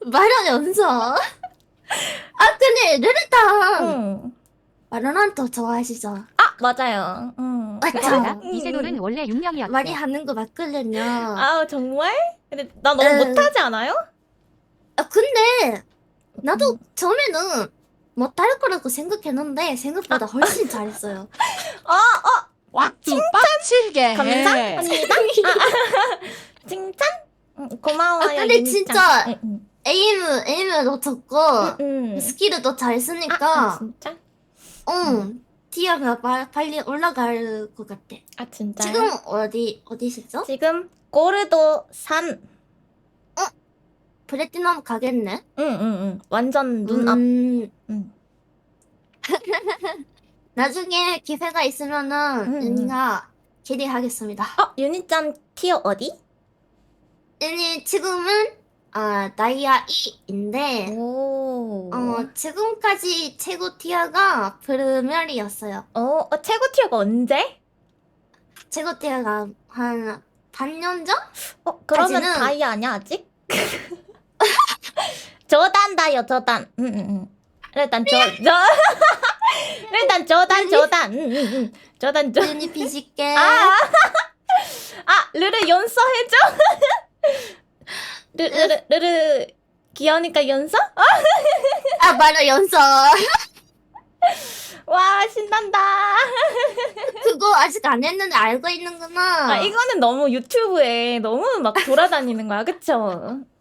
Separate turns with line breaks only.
말한 연서. 아 근데 르르탕
응.
바로란트 좋아하시죠?
아 맞아요.
맞죠?
그거
그거보다
알아?
이세돌은 원래 육명이었대.
많이 하는 거 맞거든요.
아 정말? 근데 나 너무
응.
못하지 않아요?
아 근데 나도 처음에는 못할 거라고 생각했는데 생각보다 훨씬 잘했어요.
왁두 빡칠게 해.
감사합니다. 칭찬? 고마워요.
아, 근데
윤희짱.
진짜
응,
에임도 좋고
응.
스킬도 잘
아,
쓰니까
진짜?
응 티어가 빨리 올라갈 것 같아.
아 진짜요?
지금 어디시죠?
지금 고르도 산.
플래티넘 가겠네.
응. 완전 눈앞. 응.
나중에 기회가 있으면은
응.
윤희가 캐리하겠습니다.
윤희짱 티어 어디?
윤희 지금은 다이아 2인데
오.
지금까지 최고 티어가 프르멜이었어요.
최고 티어가 언제?
최고 티어가 한 반년 전?
그러면
까지는-
다이아 아니야 아직? 저단 다이어 저단. 응. 일단 일단 저단. 응. 저단.
윤희 비실게.
르르 연서 해줘. 르르 귀여우니까 연서?
바로 연서.
와 신난다.
그거 아직 안 했는데 알고 있는구나.
이거는 너무 유튜브에 너무 막 돌아다니는 거야, 그쵸?